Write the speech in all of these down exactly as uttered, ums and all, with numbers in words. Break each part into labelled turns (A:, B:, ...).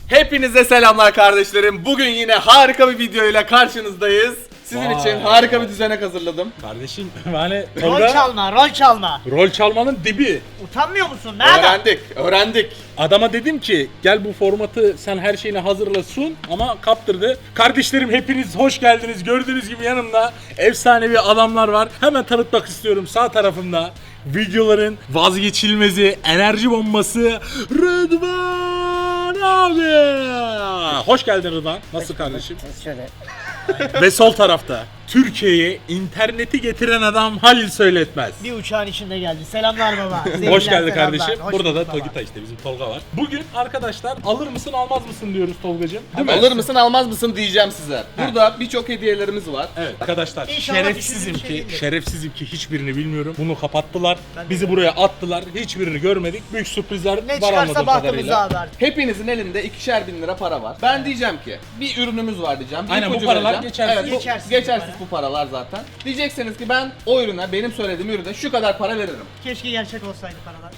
A: Hepinize selamlar kardeşlerim. Bugün yine harika bir videoyla karşınızdayız. Sizin
B: Vay.
A: için harika bir düzenek hazırladım.
B: Kardeşim yani
C: Rol
B: Tolga
C: çalma, rol çalma.
B: rol çalmanın dibi.
C: Utanmıyor musun? Nerede?
A: Öğrendik, öğrendik.
B: Adama dedim ki gel bu formatı sen her şeyini hazırla sun ama kaptırdı. Kardeşlerim hepiniz hoş geldiniz. Gördüğünüz gibi yanımda efsanevi adamlar var. Hemen tanıtmak istiyorum sağ tarafımda. Videoların vazgeçilmezi, enerji bombası Rıdvan abi. Hoş geldin Rıdvan. Nasıl kardeşim?
D: Şöyle.
B: Ve sol tarafta Türkiye'ye interneti getiren adam Halil Söyletmez.
C: Bir uçağın içinde geldi. Selamlar baba.
B: Hoş
C: Sevgiler,
B: geldin
C: selamlar.
B: kardeşim.
C: Hoş
B: Burada da
C: bulduk baba.
B: Togita işte bizim Tolga var. Bugün arkadaşlar alır mısın almaz mısın diyoruz Tolgacığım. Değil mi?
A: Alır mısın almaz mısın diyeceğim size. Burada birçok hediyelerimiz var.
B: Evet arkadaşlar
C: İnşallah
B: şerefsizim
C: düşündüğüm şey
B: ki
C: değildir.
B: şerefsizim ki hiçbirini bilmiyorum. Bunu kapattılar.
C: Ben de
B: Bizi
C: öyle.
B: buraya attılar. Hiçbirini görmedik. Büyük sürprizler
C: Ne
B: var
C: çıkarsa
B: anladığım
C: bahtımıza
B: kadarıyla.
C: haber.
A: Hepinizin elinde ikişer bin lira para var. Ben diyeceğim ki bir ürünümüz var diyeceğim. Bir
B: Aynen, bu
A: ipucu
B: paralar
A: vereceğim.
B: geçersiz.
A: Evet, bu,
C: Geçersiz
A: geçersiz,
C: bu
A: bu paralar zaten. Diyeceksiniz ki ben o ürüne, benim söylediğim ürüne şu kadar para veririm.
C: Keşke gerçek olsaydı paralar.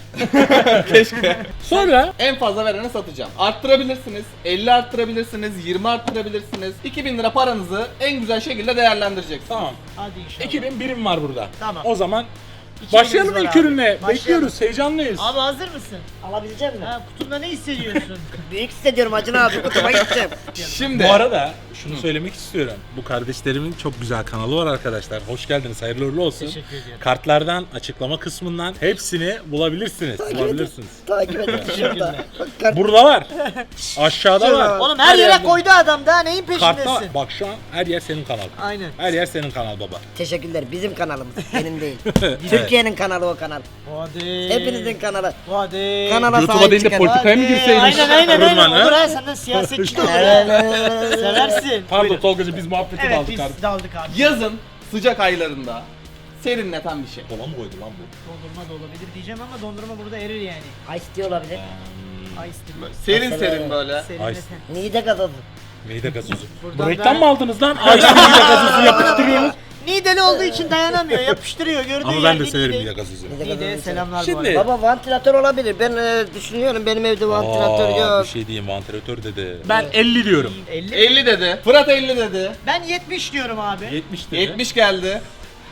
A: Keşke.
B: Sonra
A: En fazla verene satacağım. Arttırabilirsiniz, elli arttırabilirsiniz, yirmi arttırabilirsiniz. iki bin lira paranızı en güzel şekilde değerlendireceksiniz.
B: tamam.
C: Hadi inşallah.
B: iki bin birim var burada.
C: Tamam.
B: O zaman
C: İki
B: başlayalım
C: binimiz
B: ilk
C: var abi.
B: ürünle.
C: Başlayalım.
B: Bekliyoruz. Heyecanlıyız.
C: Abi hazır mısın?
D: Alabilecek misin?
C: Ha, kutunda ne hissediyorsun?
D: Büyük hissediyorum Acun abi. Kutuma gideceğim.
A: Şimdi
B: Bu arada şunu söylemek istiyorum. Bu kardeşlerimin çok güzel kanalı var arkadaşlar. Hoş geldiniz. Hayırlı uğurlu olsun.
C: Teşekkür ediyorum.
B: Kartlardan, açıklama kısmından hepsini bulabilirsiniz. Bulabilirsiniz.
D: Takip edin. Şurada. Bak, kart-
B: Burada var. Aşağıda
D: Şurada
B: var.
D: var.
C: Oğlum her yere
B: yerde.
C: koydu adam daha neyin
B: Kartta
C: peşindesin?
B: bak şu an her yer senin kanal.
C: Aynen.
B: Her yer senin kanal baba.
D: Teşekkürler. Bizim kanalımız. Benim değil. Türkiye'nin kanalı o kanal.
C: Hadi.
D: Hepinizin kanalı.
C: Hadi.
D: Kanala
B: YouTube'a
D: sahip
B: değil de
D: çıkın.
B: politikaya mı
C: Hadi.
B: girseymiş?
C: Aynen aynen aynen.
B: Rıdvan, ha?
C: Olur ha senden siyasetçi de olur.
D: Evet,
C: ha.
D: evet, evet.
C: Seversin.
B: Pardon
C: Buyurun.
B: Tolgacığım biz muhabbeti
C: Evet
B: aldık
C: biz
B: abi.
C: daldık abi.
A: yazın sıcak aylarında serinleten bir şey.
B: Kola mı koydu lan bu?
C: Dondurma da olabilir diyeceğim ama dondurma burada erir yani.
D: Ice tea olabilir.
C: Ice tea.
A: Serin
D: Mesela-
A: serin böyle.
C: Serinleten.
D: Nide gazozu.
B: Meyde gazozu.
C: Buradan
B: Bu reklam
C: da-
B: mı aldınız lan? Ayşe meyde gazozu yapıştırıyorsunuz.
C: Nideli olduğu için dayanamıyor, yapıştırıyor gördüğün
B: Ama ben
C: yerde
B: de severim
C: Nide-
B: meyde gazozu.
D: Nide
C: Nide'ye
D: gazozu.
C: selamlar
B: Şimdi-
C: bu arada.
D: Baba vantilatör olabilir. Ben e, düşünüyorum benim evde vantilatör
B: Aa,
D: yok.
B: bir şey diyeyim vantilatör dedi. Ben elli diyorum.
C: elli.
A: elli dedi. Fırat elli dedi.
C: Ben yetmiş diyorum abi.
B: yetmiş dedi.
A: yetmiş geldi.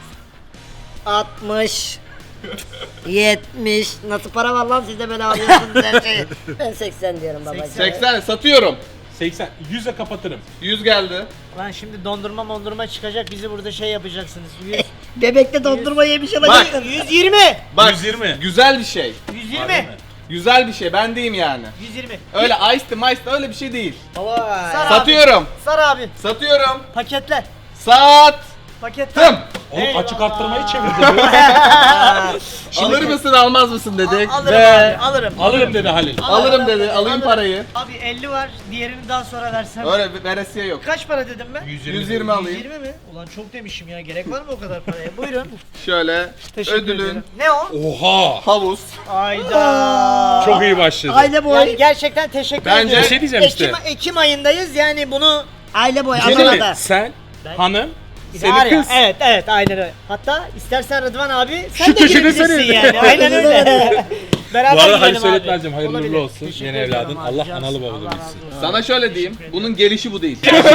D: altmış. yetmiş. Nasıl para var lan sizde böyle alıyorsunuz her şeyi. Ben seksen diyorum baba.
C: seksen.
A: seksen satıyorum.
B: seksen. yüze kapatırım.
A: yüz geldi.
C: Lan şimdi dondurma mondurma çıkacak bizi burada şey yapacaksınız. yüz,
D: Bebekte dondurma yemiş olacaksın.
C: yüz yirmi.
A: Bak
B: yüz yirmi.
A: güzel bir şey.
C: yüz
B: Harbi
C: yirmi.
B: mi?
A: Güzel bir şey. Ben diyeyim yani.
C: yüz yirmi.
A: Öyle ice tea, mice tea öyle bir şey değil.
D: Vay.
C: Sar abi.
A: Satıyorum.
C: Sar abi.
A: Satıyorum.
C: Paketler.
A: Sattım.
C: Paketler.
B: Oğlum
C: Eyvallah.
B: açık arttırmayı çevirdi.
A: Alır mısın almaz mısın dedik.
C: Al- alırım
A: Ve
C: abi alırım.
B: Alırım dedi Halil.
A: alırım dedi. Alayım
C: Alırım.
A: parayı.
C: Abi elli var diğerini daha sonra versem.
A: Öyle bir veresiye yok.
C: Kaç para dedim ben?
B: yüz
A: yüz yirmi alayım.
C: yüz yirmi mi? Ulan çok demişim ya gerek var mı o kadar paraya? Buyurun.
A: Şöyle
C: Teşekkür
A: ödülün
C: ederim. Ne o?
B: Oha.
A: havuz.
C: Ayda.
B: Çok iyi başladı.
D: Aile boy.
C: Yani gerçekten teşekkür
A: Bence-
C: ediyorum.
B: Bir şey diyeceğim işte.
C: Ekim, Ekim ayındayız yani bunu
D: Aile boy.
B: Bir şey değil mi?
D: Adana'da.
B: Sen,
C: Ben-
B: hanım,
C: Var
B: senin
C: ya,
B: kız.
C: Evet evet aynen öyle. Hatta istersen Rıdvan abi sen
B: Şu
C: de
B: köşede
C: girebilirsin
B: senin.
C: yani. Aynen öyle. Beraber
B: Bu arada
C: gidelim
B: Halil
C: abi.
B: Söyletmez'cim hayırlı
C: Olabilir.
B: uğurlu olsun.
C: Teşekkür
B: Yeni
C: ederim
B: evladın.
C: abi,
B: Allah
C: cansın.
B: analı babalı
C: Allah razı
B: bilsin.
C: olsun.
A: Sana şöyle diyeyim. Bunun gelişi bu değil.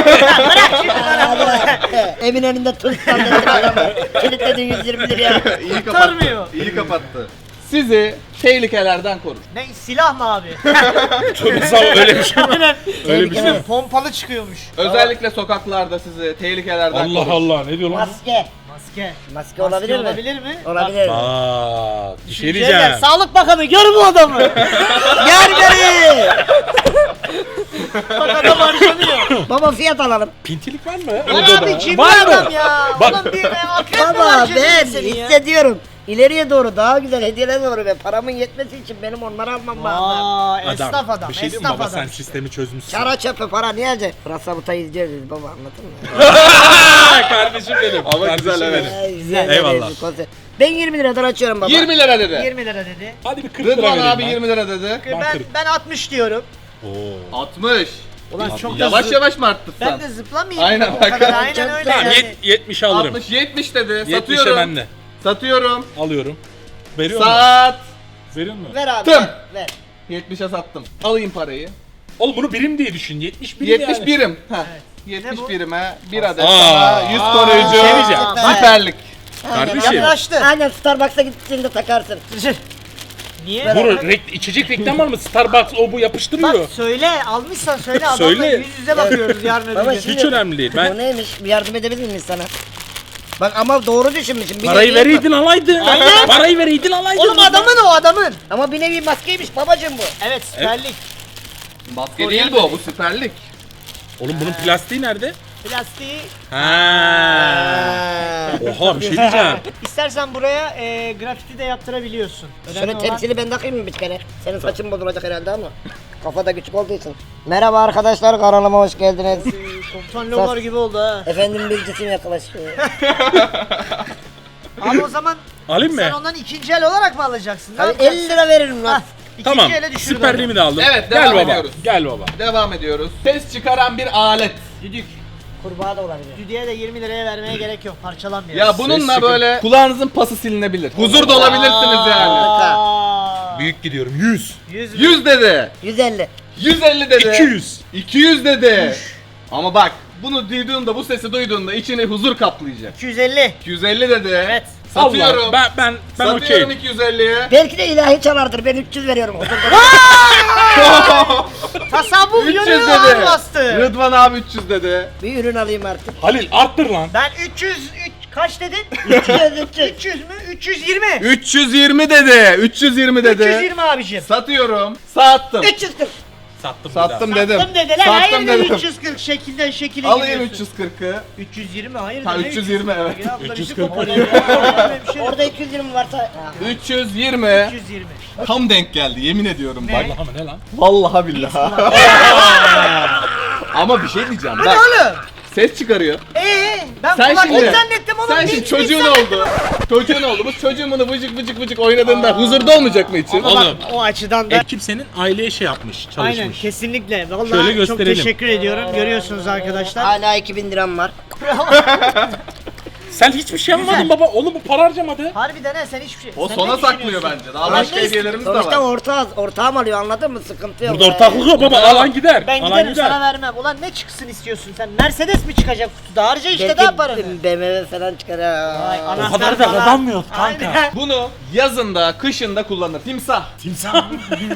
D: Evin önünde tutsan dedin adamı. Kilitledin yüz yirmi liraya.
A: İyi
C: Kurtarmıyor.
A: kapattı. İyi kapattı. Sizi tehlikelerden korur.
C: Ne silah mı abi?
B: Tövbe sağ ol, öyle bir şey mi?
C: Aynen.
B: Öyle bir şey mi?
C: Pompalı çıkıyormuş.
A: Özellikle sokaklarda sizi tehlikelerden
B: Allah
A: korur.
B: Allah ne diyor lan?
D: Maske.
C: Maske.
D: Maske olabilir mi?
C: Olabilir mi?
D: Olabilir.
B: Aa, bir şey
C: Şeyler,
B: diyeceğim.
C: Sağlık Bakanı gör bu adamı.
D: Gel beni.
C: Bak adam harcanıyor.
D: Baba fiyat alalım.
B: Pintilik var mı?
C: Lan
B: Odada?
C: abi cimri
B: Var mı?
C: adam ya.
B: Bak.
C: Ulan bir akrep mi
D: Baba
C: harcadın
D: ben
C: seni ya?
D: hissediyorum. İleriye doğru daha güzel hediyeler doğru ve paramın yetmesi için benim onları almam lazım.
C: Aa, esnaf adam,
B: Bir şey diyeyim mi
C: esnaf
B: baba
C: adam.
B: sen sistemi çözmüşsün.
D: Çara çöpe para niye acı? Pırasa butayı izliyoruz biz baba anladın mı?
B: Kardeşim benim.
A: Ama
B: kardeşim
A: güzel, evet.
B: benim.
D: Ay, güzel
B: Eyvallah.
D: bir konser. Ben yirmi liradan açıyorum baba.
A: yirmi lira dedi.
C: yirmi lira dedi.
B: Hadi bir kırk lira
A: Rıdvan
B: vereyim
A: abi
B: ben.
A: yirmi lira dedi.
B: Ben
C: Ben
B: kırk.
C: ben altmış diyorum.
B: Oo.
A: altmış.
C: Ulan
B: Abi,
C: çok da
A: Yavaş
C: zı-
A: yavaş mı arttın sen?
C: Ben de zıplamayayım.
A: Aynen,
C: o
A: bak.
C: kadar aynen
D: Çok
C: öyle
B: Tamam
C: yani.
B: yet- yetmişe alırım.
A: altmış yetmiş dedi.
B: yetmişe
A: Satıyorum.
B: ben de.
A: Satıyorum.
B: Alıyorum. Veriyor mu?
A: Sat.
B: Veriyor mu?
D: Ver abi
A: Tım.
D: ver. ver.
A: yetmişe sattım. Alayım parayı.
B: Oğlum bunu birim diye düşün. yetmiş birim
A: yetmiş
B: yani.
A: birim. Heh.
C: Ne
A: yetmiş
C: bu?
A: birime bir adet
B: Aa.
A: sana yüz koruyucu
B: şey diyeceğim.
A: süperlik.
B: Kardeşim.
C: Yaklaştı.
D: Aynen Starbucks'a gittiğinde takarsın.
C: Niye?
B: Bu rek- içecek reklam var mı? Starbucks o bu yapıştırıyor.
C: Bak söyle, almışsan söyle adamla
B: Söyle.
C: yüz yüze bakıyoruz yarın öbür
D: Baba
C: gün.
D: şimdi-
B: Hiç önemli değil.
D: O
B: Ben
D: neymiş? Bir yardım edebilir miyiz sana? Bak ama doğru düşünmüşüm. Bir
B: parayı
D: nevi-
B: vereydin alaydın. Parayı vereydin alaydın.
C: Oğlum adamın o adamın.
D: Ama bir nevi maskeymiş babacım bu.
C: Evet süperlik.
A: Maske değil bu, bu süperlik.
B: Oğlum bunun plastiği nerede?
C: Plastiği.
B: Ha. Oha bir şey diyeceğim.
C: İstersen buraya e, grafiti de yaptırabiliyorsun. Önemli
D: Şöyle
C: olan-
D: temsili ben takayım mı bir kere? Senin saçın bozulacak herhalde ama. Kafa da küçük olduğu için. Merhaba arkadaşlar, kanalıma hoş geldiniz.
C: Komutan Lomar gibi oldu ha.
D: Efendim bir cisim yaklaşıyor.
C: Abi o zaman
B: Alayım
C: sen
B: mı?
C: ondan ikinci el olarak mı alacaksın? Ne
D: Hadi
C: yapacaksın?
D: elli lira veririm lan.
C: Hah, ikinci
B: Tamam.
C: ele düşürdü
B: Süperliğimi de aldım.
A: Evet,
B: Gel
A: devam
B: baba.
A: ediyoruz.
B: Gel baba.
A: Devam ediyoruz. Ses çıkaran bir alet.
C: Düdük.
D: Kurbağa da olabilir.
C: Düdüğe de yirmi liraya vermeye gerek yok. Parçalanmıyor.
A: Ya bununla
B: çıkın.
A: böyle kulağınızın pası silinebilir. Huzur da olabilirsiniz yani.
C: Aa,
B: Büyük gidiyorum. yüz.
C: yüz mü?
A: yüz dedi.
D: yüz elli.
A: yüz elli dedi.
B: iki yüz.
A: iki yüz dedi. Ama bak bunu duyduğunda, bu sesi duyduğunda içini huzur kaplayacak.
C: iki yüz elli.
A: iki yüz elli dedi.
C: Evet.
A: Satıyorum.
B: Allah, ben ben ben
A: Satıyorum
B: okey.
A: iki yüz elliye.
D: Belki de ilahi çalardır. Ben üç yüz veriyorum.
C: Tasavvuf
A: üç yüz
C: yönü ağır
A: dedi.
C: bastı.
A: Rıdvan abi üç yüz dedi.
D: Bir ürün alayım artık.
B: Halil arttır lan.
C: Ben üç yüz üç, kaç dedin?
D: üç yüz, üç yüz.
C: üç yüz mü? üç yüz yirmi.
A: üç yüz yirmi dedi. üç yüz yirmi dedi.
C: üç yüz yirmi abicim.
A: Satıyorum. Sattım.
D: üç yüz kırk.
B: Sattım.
A: Sattım dedim.
C: Sattım dediler.
A: Sattım
C: Hayır
A: dedim.
C: üç yüz kırk şekilden şekile
A: Alayım
C: gidiyorsun.
A: üç yüz kırkı.
C: üç yüz yirmi hayır.
A: Ha,
C: ne
A: üç yüz yirmi, evet.
C: Ya, bu da
B: üç yüz
C: bizi
B: kırk.
C: koparıyor ya. Öyle bir şey yok.
D: Orada iki yüz yirmi varsa.
A: üç yüz yirmi.
C: üç yüz yirmi.
A: Tam denk geldi yemin ediyorum bak.
B: Vallahi mı ne lan?
A: Vallahi billahi. Ama bir şey diyeceğim
C: Bu
A: bak.
C: ne oğlum?
A: Ses çıkarıyor.
C: Ee, ben
A: Sen
C: kulaklık
A: şimdi,
C: zannettim oğlum.
A: sen
C: Hiç-
A: şimdi
C: hiç
A: çocuğun
C: zannettim.
A: oldu. Çocuğun oldu. Bu çocuğun bunu vıcık vıcık vıcık oynadığında huzurda olmayacak mı için?
C: Ama bak,
B: Oğlum.
C: o açıdan da
B: Ekip senin aileye şey yapmış, çalışmış.
C: aynen kesinlikle. Vallahi
B: Şöyle
C: çok
B: gösterelim.
C: teşekkür ediyorum. Görüyorsunuz arkadaşlar.
D: Hala iki bin liram var.
B: Sen hiçbir şey yapmadın baba. Oğlum bu para harcamadı.
C: Harbiden ha sen hiçbir şey.
A: O
C: sen
A: sona
C: ne
A: saklıyor
C: düşünüyorsun?
A: bence. Daha
C: Ben
A: başka
C: ne-
A: hediyelerimiz de
D: Sonuçta
A: var.
D: ortağız. Ortağım alıyor anladın mı? Sıkıntı yok.
B: Burada ortaklık yok baba. Alan gider.
C: Ben
B: Alan
C: giderim
B: gider.
C: sana vermem. Ulan ne çıksın istiyorsun sen? Mercedes mi çıkacak kutuda? Harca işte
D: Belki
C: daha paranı.
D: B M W falan çıkar ha.
C: Vay,
B: O
C: anahtar
B: kadar da
C: falan.
B: kazanmıyor kanka.
C: Aynen.
A: Bunu yazında, kışında kullanır. Timsah.
B: Timsah.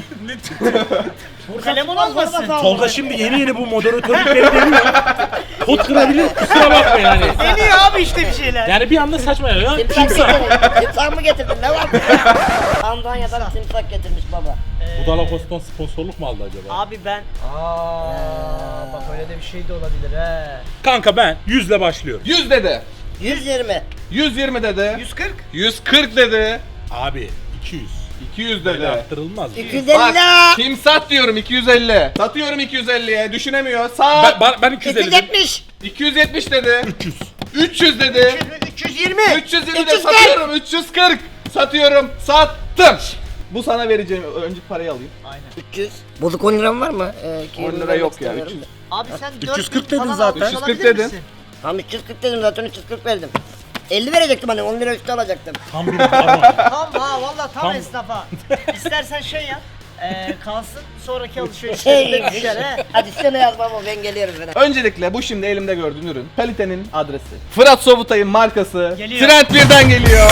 C: Bu kalem olmasın.
B: Tolga şimdi yeni yeni bu moderatörlükleri deniyor. Pot kırabilir. Kusura bakma yani.
C: Deniyor abi işte bir şeyler.
B: Yani bir anda saçma ya.
D: Timsah
B: Timsah.
D: getirdin. Timsah mı getirdin? Ne var? Almanya'dan timsah getirmiş baba.
B: Bu Dalakos'tan sponsorluk mu aldı acaba?
C: Abi ben... Aa, bak öyle de bir şey de olabilir he.
B: Kanka ben yüzle başlıyorum.
A: yüz dedi.
D: yüz yirmi.
A: yüz yirmi dedi.
C: yüz kırk.
A: yüz kırk dedi.
B: Abi iki yüz.
A: iki yüz
B: Böyle
A: dedi.
B: arttırılmaz.
D: iki yüz
A: Bak
D: elli.
A: timsah diyorum iki yüz elli. Satıyorum iki yüz elliye. Düşünemiyor. Sağ.
B: Ben, ben, ben iki yüz
D: iki yüz
B: elli.
D: yetmiş.
A: iki yüz yetmiş dedi.
B: üç yüz.
A: üç yüz dedi.
C: üç yüz yirmi.
A: üç yüz yirmi
D: üç
A: de
D: yüz kırk.
A: satıyorum. üç yüz kırk. Satıyorum. Sattım. Bu sana vereceğim. Önce parayı alayım.
C: Aynen.
D: üç yüz. Bozuk on liram var mı? Ee, iki
A: on
D: yüz
A: lira
D: vermek
A: yok ya,
D: istemiyorum
A: üç yüz.
D: da.
C: Abi sen
B: üç yüz kırk
C: dört bin
B: dedin
C: falan
B: zaten.
C: almış
A: üç yüz kırk
C: olabilir
A: dedin.
C: misin?
D: Tamam üç yüz kırk dedim zaten üç yüz kırk verdim. elli verecektim hani on lira üstü alacaktım.
B: Tam bir baron.
C: Tam ha valla tam,
B: Tam.
C: esnafa. İstersen şey yap. Eee kalsın sonraki
D: Şey,
C: alışverişlerinde düşer he.
D: hadi sen yaz baba ben geliyorum sana.
A: Öncelikle bu şimdi elimde gördüğün ürün. Kalitenin adresi. Fırat Sobutay'ın markası.
C: Geliyor.
A: Trend birden geliyor.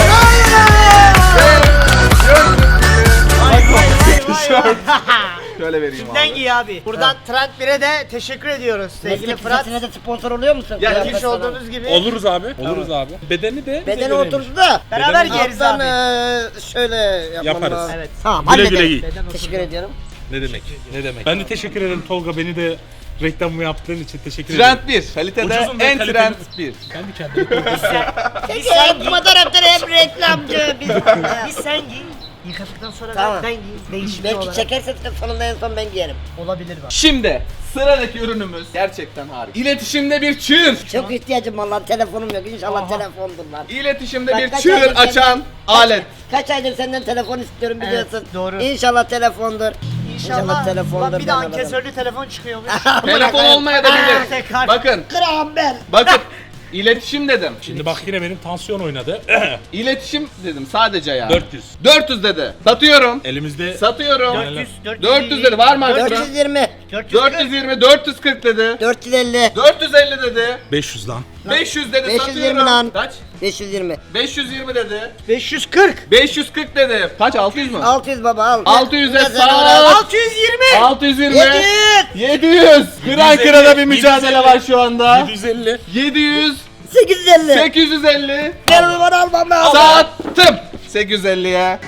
C: Vay vay vay vay.
A: Şöyle vereyim
C: Kimden
A: abi.
C: giy abi? Buradan Trend bir'e de teşekkür ediyoruz sevgili
D: Meslek
C: Fırat.
D: lisesine de sponsor oluyor musun?
A: Ya,
D: Kıyafet
C: Gelmiş
D: falan.
C: olduğunuz gibi
B: Oluruz abi. Oluruz abi. Bedeni de
D: Bedeni
B: bize
D: oturdu da.
C: beraber
B: Bedeni-
C: giyeriz
D: Alttan
C: abi.
D: eee, şöyle yapmam
B: Yaparız.
D: lazım.
C: Evet.
D: Tamam
B: Güle güle
D: halledelim.
B: giy.
C: Beden oturdu.
D: Teşekkür ediyorum.
B: Ne demek? Ne demek? Ben de teşekkür ederim Tolga, beni de reklamımı yaptığın için teşekkür ederim.
A: Trend bir. Kalitede
B: Ucuzun ve
A: en
B: kaliteli-
A: trend bir.
B: Kendi kendine.
C: Biz sen
D: Hem
C: giy.
D: moderatör hem reklamcı. Biz...
C: Biz sen giy. Yıkadıktan sonra
D: Tamam.
C: ben giy. Değişiklik
D: Belki
C: olarak.
D: çekerse sonunda en son ben giyerim.
C: Olabilir bak.
A: Şimdi sıradaki ürünümüz gerçekten harika. İletişimde bir çığır.
D: Çok ihtiyacım var lan telefonum yok inşallah
C: Aha.
D: telefondur lan.
A: İletişimde
D: Bak,
A: bir
D: kaç
A: çığır
D: aydır
A: açan
D: senden-
A: alet.
D: Kaç aydır senden telefon istiyorum
C: Evet,
D: biliyorsun.
C: doğru.
D: İnşallah telefondur.
C: İnşallah.
D: telefondur.
C: Bak bir de
D: ben alırım.
C: ankesörlü telefon çıkıyormuş.
A: Telefon olmaya da
C: Aa,
A: bilir.
C: tekrar.
A: Bakın,
D: Graham Bell.
A: bakın. İletişim dedim.
B: Şimdi bak yine benim tansiyon oynadı.
A: İletişim dedim sadece ya.
B: dört yüz.
A: dört yüz dedi. Satıyorum.
B: Elimizde
A: Satıyorum.
C: dört yüz,
A: dört yüz dedi. Var mı
D: dört
A: arttıran?
D: yüz yirmi.
A: dört yüz yirmi, dört yüz kırk dedi.
D: dört yüz elli.
A: dört yüz elli dedi.
B: beş yüz lan.
A: beş yüz dedi.
D: beş yüz
A: Satıyorum.
D: yirmi lan.
A: Kaç?
D: beş yüz yirmi.
A: beş yüz yirmi dedi.
C: beş yüz kırk.
A: beş yüz kırk dedi. Kaç? altı yüz mü?
D: altı yüz baba al.
A: altı yüze
D: Biraz
A: sat.
D: daha-
C: altı yüz yirmi.
A: altı yüz yirmi.
D: yedi yüz.
A: yedi yüz. Kıran
B: yedi yüz elli,
A: kırana bir
B: yedi yüz
A: mücadele
B: elli.
A: var şu anda.
B: yedi yüz elli.
A: yedi yüz.
D: sekiz yüz elli.
A: sekiz yüz elli.
D: Gel onu bana almam lazım.
A: Sattım. sekiz yüz elliye.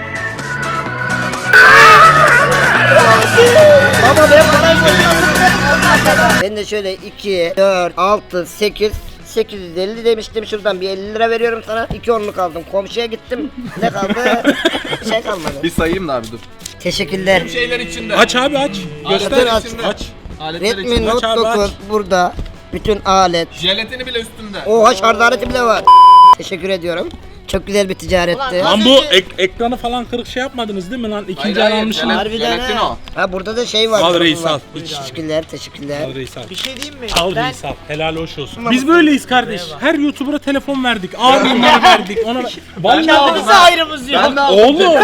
D: Baba ben parayı boşalttım. Ben de şöyle iki, dört, altı, sekiz, sekiz yüz elli demiştim. Şuradan bir elli lira veriyorum sana. iki onluk aldım. Komşuya gittim. Ne kaldı? Bir şey kalmadı.
A: Bir sayayım da abi dur.
D: Teşekkürler.
A: Şeyler içinde.
B: Aç abi aç. Göster.
A: Aletler
B: Aç.
A: içinde.
B: Aç.
A: Aletler
D: Redmi
A: içinde.
D: Note
B: Aç abi,
D: dokuz
B: aç.
D: burada. Bütün alet.
A: Jelatini bile üstünde.
D: Oha şarj aleti bile var. Teşekkür ediyorum. Çok güzel bir ticaretti.
C: Ulan,
B: Lan bu ek- ekranı falan kırık şey yapmadınız değil mi lan? İkinci el almışsın.
A: jelat-
C: Harbiden
A: jelatin
C: ha.
A: o.
D: Ha burada da şey var.
B: Al
D: durum
B: reis,
D: var.
B: al.
D: Teşekkürler, teşekkürler.
B: Al reis al.
C: Bir şey diyeyim mi?
B: Al
C: ben
B: reis al. Helal hoş olsun. Biz böyleyiz kardeş. Her YouTuber'a telefon verdik. Abi bunları verdik. Ona
A: Ben de aldım
C: kendimize
A: ha.
C: ayrımız yok.
A: Ben de aldım.
B: Oğlum.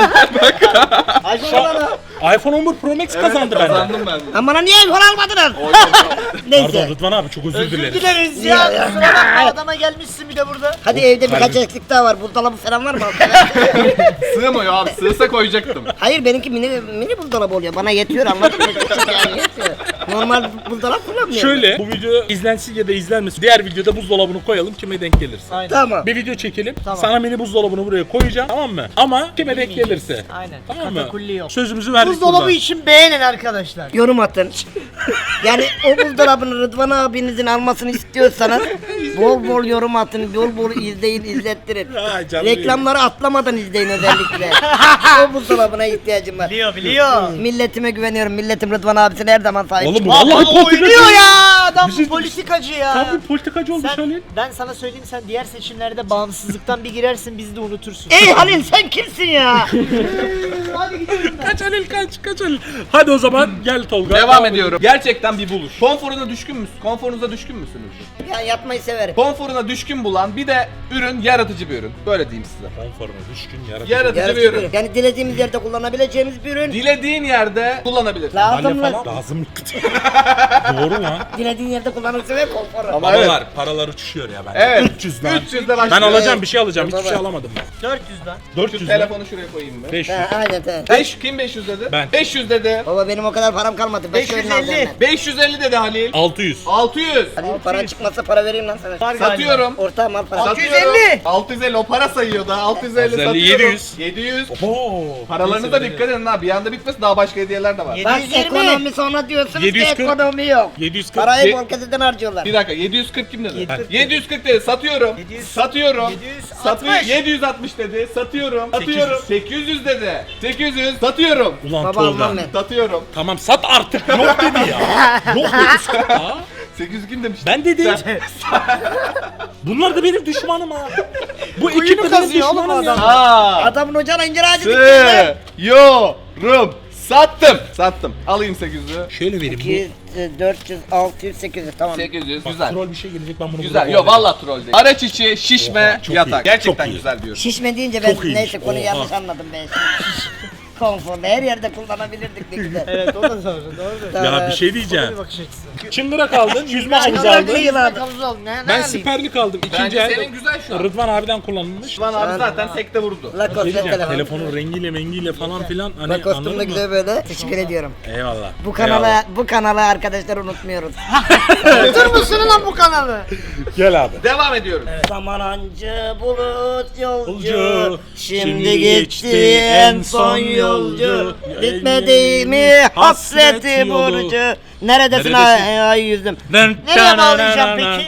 C: iPhone
B: iPhone on bir Pro Max
A: Evet,
B: kazandı benden.
A: kazandım ben de.
D: Lan bana niye iPhone almadınız?
A: Oy, oy, oy.
B: Pardon
D: Neyse.
B: Rıdvan abi çok özür
C: Özür
B: dileriz.
C: dileriz
D: Ya,
C: ya.
D: ya.
C: Kusura bakma adama gelmişsin bir de burada.
D: Hadi evde birkaç
B: Harbi.
D: eksik daha var. Buzdolabı falan var mı?
A: Sığmıyor abi. Sığsa koyacaktım.
D: Hayır benimki mini mini buzdolabı oluyor. Bana yetiyor anladın mı? Küçük yani yetiyor. Normal buzdolap kullanmıyorum.
B: Şöyle bu video izlensin ya da izlenmesin. Diğer videoda buzdolabını koyalım kime denk gelirse.
C: Aynen.
D: Tamam.
B: Bir video çekelim.
C: Tamam.
B: Sana mini buzdolabını buraya koyacağım. Tamam mı? Ama kime denk gelirse.
C: Aynen.
B: Tamam mı?
C: Katakulli yok.
B: Sözümüzü verdik
C: Buzdolabı
B: burada.
C: için beğenin arkadaşlar.
D: Yorum atın. Yani o buzdolabını Rıdvan abinizin almasını istiyorsanız bol bol yorum atın, bol bol izleyin, izlettirin.
B: Ha, canım
D: Reklamları atlamadan izleyin özellikle. O buzdolabına ihtiyacım var.
C: Biliyor biliyor.
D: Milletime güveniyorum. Milletim Rıdvan abisine her zaman sahip.
B: Oğlum bu
D: çıkıyor.
B: vallahi
C: Vallahi
B: politikacı.
C: oynuyor ya. Adam
B: Bir şey-
C: politikacı ya.
B: Tam bir politikacı olmuş
C: Sen,
B: Halil.
C: ben sana söyleyeyim sen diğer seçimlerde bağımsızlıktan bir girersin bizi de unutursun.
D: Ey Halil sen kimsin ya?
C: Hadi gidelim.
B: Kaç Halil kaç kaç Halil. Hadi o zaman gel Tolga.
A: Devam ediyorum. Gerçekten bir buluş. Konforuna düşkün müsün? Konforunuza düşkün müsünüz?
D: Ya yatmayı severim.
A: Konforuna düşkün bulan bir de ürün yaratıcı bir ürün. Böyle diyeyim size.
B: Konforuna düşkün yaratıcı.
A: Yaratıcı
D: Yaratıcı
A: bir
D: bir
A: ürün.
D: ürün. Yani dilediğimiz yerde kullanabileceğimiz bir ürün.
A: Dilediğin yerde kullanabilirsin.
D: Lazım
B: Balya
D: mı?
B: falan lazım. Doğru lan.
D: Dilediğin yerde kullanırsın ve konforu.
A: Ama evet.
B: Paralar, paralar uçuşuyor ya ben.
A: Evet.
B: üç yüz lan.
A: üç yüzde
B: Ben
A: başlıyor.
B: alacağım bir şey alacağım. Hiçbir
D: Baba.
B: şey alamadım ben.
C: dört yüz lan.
B: dört
A: Şu
B: yüz lan.
A: telefonu şuraya koyayım ben.
B: beş yüz.
D: Ha, aynen aynen.
A: beş kim beş yüz dedi?
B: Ben.
A: beş yüz dedi.
D: Baba benim o kadar param kalmadı.
C: beş yüz elli.
A: beş yüz elli dedi Halil.
B: altı yüz.
A: altı yüz.
D: Halil para çıkmasa para vereyim lan sana.
C: Var galiba.
A: Satıyorum.
D: Ortağım al para.
C: altı yüz
A: Satıyorum.
C: elli.
A: altı yüz elli o para sayıyor da altı yüz elli
B: altı yüz elli,
A: satıyorum.
B: yedi yüz.
A: yedi yüz.
B: Oo.
A: Paralarınıza dikkat edin ha. Bir anda bitmesin daha başka hediyeler de var.
C: Yedi
D: Bak
C: yüz yirmi.
D: ekonomi sonra diyorsunuz
B: yedi yüz
D: ki
B: kırk.
D: ekonomi yok.
B: yedi yüz kırk.
D: Parayı
A: Ye-
D: bol keseden harcıyorlar.
A: Bir dakika yedi yüz kırk kim dedi?
C: yedi yüz kırk.
A: yedi yüz kırk dedi satıyorum.
C: yedi yüz-
A: Satıyorum.
C: yedi yüz altmış.
A: Satıyor. yedi yüz altmış dedi. Satıyorum. Satıyorum. sekiz yüz dedi. sekiz yüz satıyorum.
B: Ulan
D: Baba
B: Tolga.
D: almam ben.
A: Satıyorum.
B: Tamam sat artık. Yok dedi ya. Yok dedi. Ha?
A: sekiz yüz kim demiş?
B: Ben dedim.
A: Sen-
B: Bunlar da benim düşmanım ha. Bu
C: Kuyunu
B: ekip de benim
C: kazıyor oğlum
B: düşmanım ya.
C: adam.
A: Aa.
D: Adamın ocağına incir ağacı dikti.
A: Sıyorum. Sattım. Sattım. Alayım sekiz yüzü.
B: Şöyle vereyim.
D: iki yüz, dört yüz, altı yüz, sekiz yüz tamam.
A: sekiz yüz
B: Bu, bak,
A: güzel.
B: troll bir şey gelecek ben bunu
A: Güzel.
B: burada
A: Yo
B: kovalayacağım.
A: vallahi troll değil. Araç içi şişme
B: Oha, çok
A: yatak.
B: iyi,
A: Gerçekten
B: çok iyi.
A: güzel diyorum.
D: Şişme deyince ben
B: Çok iyiymiş,
D: neyse konuyu
B: oha.
D: yanlış anladım ben. Konforlu her yerde kullanabilirdik ne güzel.
C: Evet o da doğru. Doğru.
B: Ya bir şey
C: O da
B: diyeceğim.
C: bir bakış açısı.
B: Çıngırak aldın, yüzme havuzu
D: Çıngırak
B: aldın.
D: değil abi.
C: Havuz oldu. Ne, ne
B: Ben
C: alayım?
B: siperlik aldım. İkinci
A: Bence
B: el.
A: senin güzel şu an.
B: Rıdvan abiden kullanılmış.
A: Şuan abi zaten tekte vurdu.
B: Şey
D: Lacoste
B: diyeceğim,
D: telefon.
B: telefonun rengiyle mengiyle falan filan hani
D: Lacoste'um
B: anladın
D: da
B: mı?
D: güzel böyle. Teşekkür ediyorum.
B: Eyvallah.
D: Bu kanala bu kanalı arkadaşlar unutmuyoruz.
C: Dur musun lan bu kanalı?
B: Gel abi.
A: Devam ediyorum.
D: Zaman ancı bulut yolcu,
B: Yolcu,
D: şimdi geçti en son yolcu. Bitmedi mi hasreti burcu. Neredesin
B: Neredesin?
D: ay, ay yüzüm.
C: Nereye bağlayacağım peki?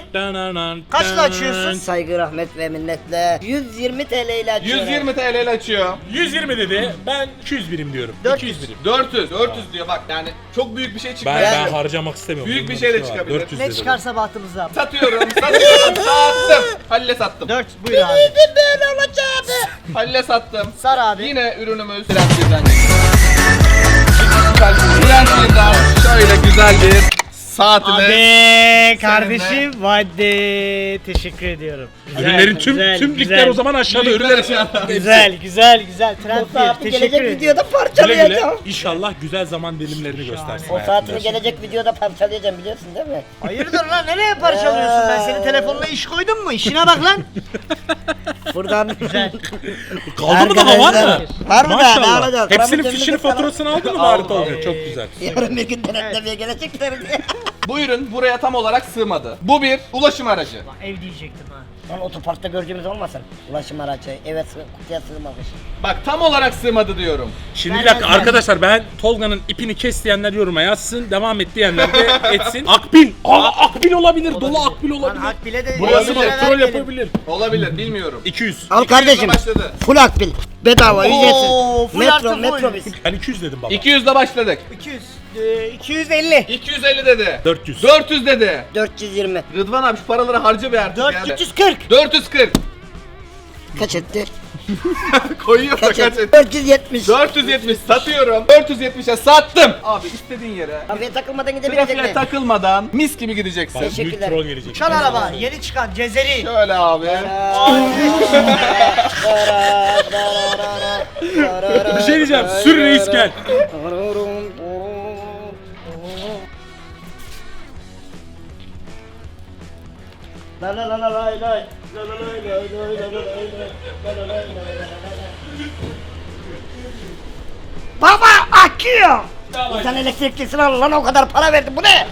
C: Kaçla açıyorsun?
D: Saygı, rahmet ve minnetle yüz yirmi T L ile açıyorum.
A: yüz yirmi T L ile açıyor.
B: yüz yirmi dedi. Ben iki yüz birim diyorum.
C: dört
B: iki yüz birim.
A: dört yüz. dört yüz diyor bak yani çok büyük bir şey
B: Ben,
A: çıkmıyor.
B: ben harcamak istemiyorum.
A: Büyük bir
B: Bunun
A: şey de
B: var.
A: çıkabilir.
B: dört yüz
C: Ne
B: dedim.
C: çıkarsa bahtımıza.
A: Satıyorum, satıyorum, sattım. Halil'e sattım.
C: dört buyur abi.
D: Böyle olacak.
A: Halil'e sattım.
C: Sar abi.
A: Yine ürünümüz Trendseed'den. Trendseed'den şöyle güzel bir saatini
C: Hadi kardeşim hadi teşekkür ediyorum. Güzel,
B: Ürünlerin tüm
C: güzel,
B: tüm
C: güzel.
B: ligler o zaman aşağıda ürünler
C: Güzel güzel güzel
D: O
C: trend
D: saati
C: bir
D: gelecek
C: teşekkür ederim.
D: videoda
B: Güle güle.
D: parçalayacağım.
B: İnşallah güzel zaman dilimlerini göstersin.
D: O
B: hayatında.
D: saatini gelecek videoda parçalayacağım biliyorsun değil mi?
C: Hayırdır lan nereye parçalıyorsun ben senin telefonla iş koydum mu işine bak lan.
D: Buradan
C: Güzel.
B: Kaldı mı daha var mı?
D: Arkadaşlar, var mı daha? Ne
B: Maşallah.
D: alacağız?
B: Hepsinin
D: Paramız
B: fişini
D: cebimizde falan.
B: faturasını aldın mı bari Tolga? Çok güzel.
D: Yarın bir gün denetlemeye gelecekler diye.
A: Bu ürün buraya tam olarak sığmadı. Bu bir ulaşım aracı.
C: Ev diyecektim ha.
D: Lan otoparkta göreceğimiz olmasın? Ulaşım aracı eve sığ, kutuya sığmamış.
A: Bak tam olarak sığmadı diyorum.
B: Şimdi bir
C: Ben-
B: dakika
C: ben-
B: arkadaşlar ben Tolga'nın ipini kes diyenler yoruma yazsın. Devam et diyenler de etsin. Akbil. Aa akbil olabilir. Dolu akbil
C: Lan
B: olabilir.
C: hak bile de
B: Burası mı?
C: elli lira
B: Troll
C: vermeyelim.
B: yapabilir.
A: Olabilir bilmiyorum.
B: iki yüz.
D: Al kardeşim.
A: başladı.
D: Full akbil. Bedava
C: Oo,
D: ücretsiz.
C: full
D: Metro
C: artı full.
D: metrobüs.
B: Ben iki yüz dedim baba.
A: iki yüzle başladık.
C: iki yüz. e, iki yüz elli.
A: iki yüz elli dedi.
B: dört yüz.
A: dört yüz dedi.
D: dört yüz yirmi.
A: Rıdvan abi şu paraları harca bir artık yani.
C: dört yüz kırk.
A: dört yüz kırk.
D: Kaç etti?
A: Koyuyor
D: Kaç
A: fakat
D: etti? dört yüz yetmiş.
A: dört yüz yetmiş satıyorum. dört yüz yetmişe sattım. Abi istediğin yere.
D: Trafiğe takılmadan gidebilecek
A: Trafiğe
D: miyim?
A: takılmadan mis gibi gideceksin.
B: Büyük
D: Teşekkürler.
B: troll gelecek.
C: Uçan araba yeni çıkan Cezeri.
A: Şöyle abi.
B: Bir şey diyeceğim. Sür reis gel.
D: La la la la lay lay. La la lay lay lay la la lay lay. La la lay lay lay lay. Baba akıyor. Sen elektriklisini al lan o kadar para verdim bu ne?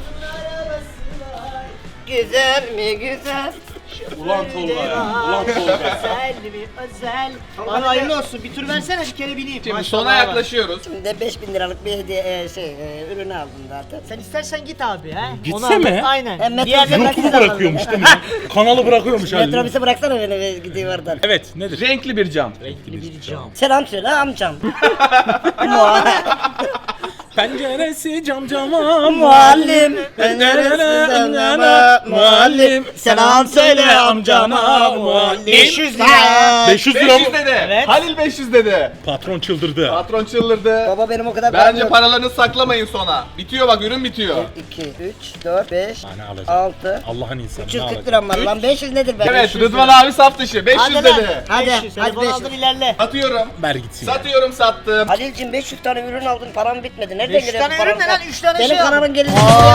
D: Güzel mi güzel?
B: Ulan Tolga ya. Ulan Tolga.
C: Özel mi özel. Bana hayırlı olsun bir tur versene bir kere bineyim.
A: Şimdi
C: Maşallah
A: sona
C: var.
A: yaklaşıyoruz.
D: Şimdi de beş bin liralık bir hediye e, şey e, ürünü aldım zaten.
C: Sen istersen git abi ha.
B: Gitse
C: Onu al.
B: mi?
C: Aynen.
D: Hem metro-
C: Diğerleri
D: Yok.
B: YouTube'u bırakıyormuş değil mi? Kanalı bırakıyormuş halde.
D: Metrobüse bıraksana beni ve gideyim oradan.
B: Evet nedir?
A: Renkli bir cam.
C: bir cam.
D: Selam söyle amcam. Muha-
B: Penceresi cam cama
D: Muallim, penceresiz amcama, muallim, selam söyle amcama, muallim.
C: beş yüz lira.
B: beş yüz lira
A: beş yüz
B: mı?
A: dedi.
C: Evet.
A: Halil beş yüz dedi.
B: Patron çıldırdı.
A: Patron çıldırdı.
D: Baba benim o kadar
A: Bence
D: yok.
A: paralarını saklamayın sona. Bitiyor bak ürün bitiyor.
D: iki, üç, dört, beş,
B: Ha, ne alacak?
D: altı,
B: Allah'ın insanı
D: üç
B: ne
D: yüz kırk
B: alacak?
D: liram var lan beş yüz nedir be?
A: Evet
D: beş yüz
A: Rıdvan
D: lira.
A: abi saf dışı beş yüz
C: Hadi lan.
A: dedi.
D: Hadi,
C: beş yüz.
D: hadi
C: Telefonu
D: beş yüz.
C: aldın ilerle.
A: Satıyorum.
B: Ver gitsin. ya.
A: Satıyorum sattım.
D: Halil'cim beş yüz tane ürün aldın param bitmedi. Nereden
C: beş
D: geliyor
C: tane
D: bu param?
C: ürün ne lan? üç tane
D: Benim
C: şey aldın.
D: kanalın gelir.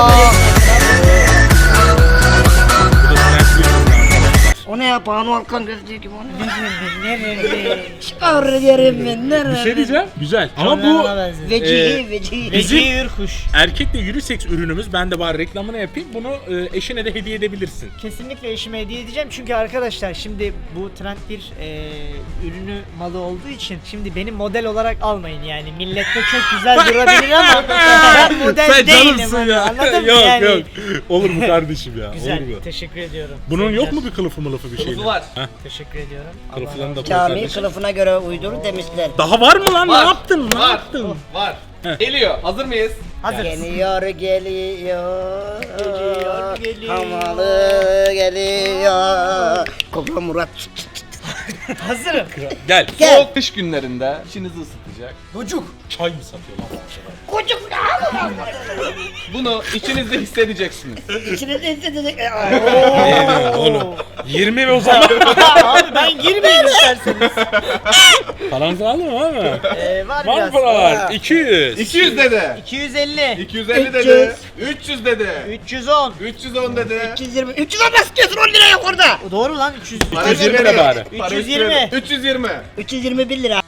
B: Bu da trend bir ürün arkadaşlar.
D: O ne ya Banu Alkan gözlüğü gibi o ne? Çıkar yerim ben nerede?
B: Bir şey diyeceğim. Güzel. Ama bu
C: Canlarına benziyor.
D: Vecihi
B: Ee,
D: vecihi.
B: bizim-
C: Veci Ürkuş.
B: erkekle unisex ürünümüz. Ben de bari reklamını yapayım. Bunu e, eşine de hediye edebilirsin.
C: Kesinlikle eşime hediye edeceğim çünkü arkadaşlar şimdi bu trend bir e, ürünü malı olduğu için şimdi beni model olarak almayın yani millette çok güzel durabilir ama ben model
B: Sen
C: değilim
B: canımsın
C: hani,
B: ya.
C: anladın mı
B: yok
C: yani?
B: yok. Olur mu kardeşim ya?
C: Güzel
B: Olur mu?
C: teşekkür ediyorum.
B: Bunun
C: Sevgiler.
B: yok mu bir kılıfı mılıfı bir şey?
A: Kılıfı var.
C: Teşekkür ediyorum. Allah
B: Kılıflarını da koy
D: Cami
B: kardeşim.
D: kılıfına göre uydur demişler.
B: Daha var mı lan?
A: Var.
B: Ne yaptın? Ne
A: Var.
B: yaptın?
A: Var.
B: Heh.
A: Geliyor. Hazır mıyız?
C: Hazırız.
D: Geliyor geliyor.
C: Geliyor, geliyor.
D: Hamalı geliyor. Kobra Murat.
C: Hazırım.
B: Gel.
D: Gel.
A: Soğuk kış günlerinde içinizi ısıtacak.
C: Bucuk.
B: Çay mı satıyor lan?
D: Kocuk
A: Bunu içinizde hissedeceksiniz.
D: İçine de hissedecek.
B: Ne diyorsun oğlum? yirmi ve o zaman.
C: Abi ben girmeyeyim isterseniz.
B: Paranızı aldın mı abi?
C: Ee, var
B: Var mı
C: biraz.
B: paralar? iki yüz.
A: iki yüz dedi.
C: iki yüz elli.
A: iki yüz elli
D: üç yüz.
A: dedi. üç yüz dedi.
C: üç yüz on.
A: üç yüz on dedi.
D: üç yüz yirmi. üç yüz on nasıl diyorsun on lira yok orada.
C: Doğru lan üç yüz.
A: Para
B: üç yüz yirmi
A: verelim.
B: de bari.
A: Para
C: üç yüz yirmi.
A: istiyorum. üç yüz yirmi.
D: üç yüz yirmi bir lira.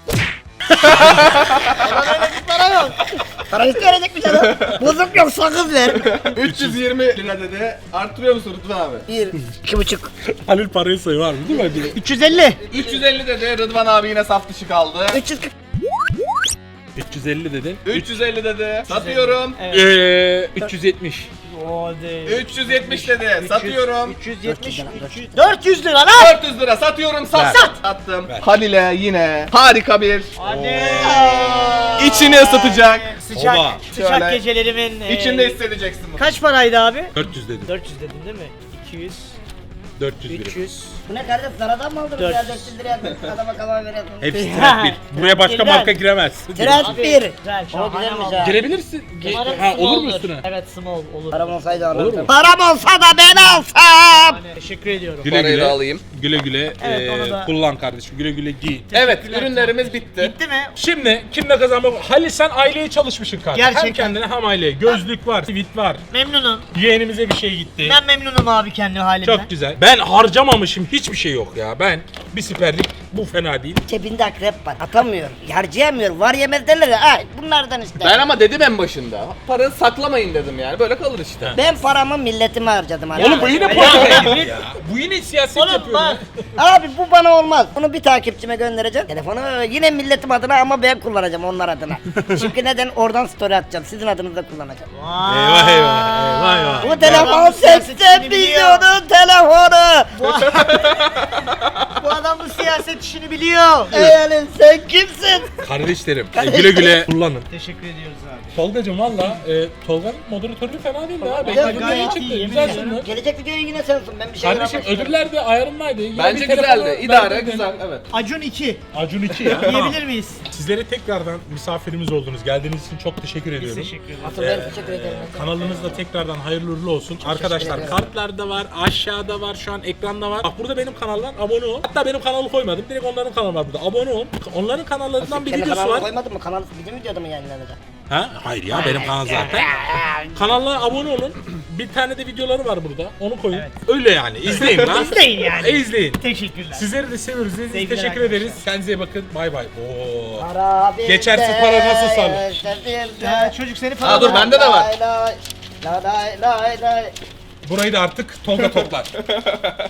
C: Bana öyle bir para yok.
D: Para isteyecek bir şey lan. Bozuk yok sakız ver.
A: üç yüz yirmi lira dedi. Arttırıyor musun Rıdvan abi?
D: Bir, iki buçuk.
B: Halil parayı sayı var mı değil mi?
C: üç yüz elli.
A: üç yüz elli dedi. Rıdvan abi yine saf dışı kaldı.
D: üç yüz kırk.
B: üç yüz elli dedin.
A: üç yüz elli dedi. Satıyorum.
C: Evet.
B: Eee üç yüz yetmiş.
C: Hadi.
A: üç yüz yetmiş dedi. Satıyorum.
C: üç yüz yetmiş. üç yüz. dört yüz lira lan.
A: dört yüz lira satıyorum. Sat
B: Ver.
A: sat. Sattım.
B: Ver.
A: Halil'e yine harika bir
C: Hadi.
A: içini ısıtacak.
C: Sıcak.
B: Oba.
C: Sıcak
A: Şöyle.
C: gecelerimin. e,
A: İçinde hissedeceksin bunu.
C: Kaç paraydı abi?
B: dört yüz dedim.
C: dört yüz dedin değil mi? iki yüz.
B: dört yüz birim.
C: üç yüz.
D: Bu ne kardeş? Zaradan mı aldınız
C: Dört.
D: ya? dört yüz liraya adama kalan veriyorsun.
B: Hepsi trend bir. Buraya başka
C: Trend.
B: marka giremez.
D: Trend bir.
C: Güzel,
D: O
C: şahane
D: güzelmiş
C: valla.
D: ha.
B: Girebilirsin.
C: Umarım
B: Ha,
C: small
B: olur mu üstüne?
C: Evet small olur.
D: Param olsaydı
B: Olur mu?
D: alırdım. Param olsa da ben alsam.
C: Yani teşekkür ediyorum.
B: Güle
A: Parayı
B: güle.
A: da alayım.
B: Güle güle
C: Evet,
B: eee,
C: onu da-
B: kullan kardeşim. Güle güle giy.
A: Evet,
C: Teşekkürler.
A: ürünlerimiz bitti.
C: Bitti mi?
B: Şimdi kimle kazanmak? Halil sen aileye çalışmışsın kardeşim. Hem
C: Gerçekten.
B: kendine hem aileye. Gözlük var, tweet var.
C: Memnunum.
B: Yeğenimize bir şey gitti.
C: Ben memnunum abi kendi halimden.
B: Çok güzel. Ben harcamamışım, hiçbir şey yok ya. Ben bir siperlik, bu fena değil.
D: Cebinde akrep var. Atamıyor. Harcayamıyor. Var yemez derler ya. Ay bunlardan işte.
A: Ben ama dedim en başında. Parayı saklamayın dedim yani. Böyle kalır işte.
D: Ben paramı milletime harcadım. Hani.
B: Oğlum bu yine
C: Ya,
B: politika
C: ya.
B: gibi ya. Bu yine siyaset
C: Oğlum
B: yapıyor ya.
C: bak.
D: Abi bu bana olmaz. Bunu bir takipçime göndereceğim. Telefonu yine milletim adına ama ben kullanacağım onlar adına. Çünkü neden? Oradan story atacağım. Sizin adınızda kullanacağım.
C: Vay.
B: Eyvah eyvah, eyvah eyvah.
D: Bu telefon
C: adam bu siyaset
D: seksen
C: işini biliyor.
D: milyonun telefonu.
C: Bu adam bu siyaset işini biliyor.
D: Yani sen kimsin?
B: Kardeşlerim, e, güle güle kullanın.
C: Teşekkür ediyoruz abi.
B: Tolgacım valla, e, Tolga'nın moderatörlüğü fena değil ha.
D: Güzel,
B: Beklediğimden
C: gayet
B: iyi çıktı.
C: iyi, yemin
B: Güzel
C: ediyorum.
B: sundu.
D: Gelecek videoyu yine sen sun. Ben bir şey
B: Kardeşim ödüller de ayarındaydı. Yine
A: Bence
B: bir telefonu
A: güzeldi. İdare,
B: verdin.
A: güzel. Evet.
C: Acun iki.
B: Acun iki ya.
C: Diyebilir miyiz?
B: Sizlere tekrardan misafirimiz oldunuz. Geldiğiniz için çok teşekkür
C: Biz
B: ediyorum.
C: teşekkür ederiz.
D: Asıl ben teşekkür ederim.
B: Kanalınız da tekrardan hayırlı uğurlu olsun. Arkadaşlar
D: ederim.
B: kartlarda var, aşağıda var, şu an ekranda var. Bak burada benim kanallar, abone ol. Hatta benim kanalı koymadım. Direkt onların kanalı var burada. Abone ol. Onların kanallarından bir
D: Kendi
B: videosu
D: kanalına
B: var.
D: koymadın mı? Kanal bizim videoda mı yayınlanacak?
B: Ha? Hayır ya benim kanal zaten. Kanala abone olun. Bir tane de videoları var burada. Onu koyun.
C: Evet.
B: Öyle yani. İzleyin lan.
C: İzleyin yani.
B: E, izleyin.
C: Teşekkürler.
B: Sizleri de seviyoruz. İzlediğiniz için
C: Sevgiler
B: teşekkür
C: arkadaşlar.
B: ederiz. Kendinize iyi bakın. Bay bay. Oo.
D: Para
B: Geçersiz
D: bizde,
B: para nasıl sağlar?
D: yaşadık.
C: Ya, çocuk seni falan.
A: Aa, dur, bende de var.
D: Lay lay, lay lay lay lay.
B: Burayı da artık Tolga toplar.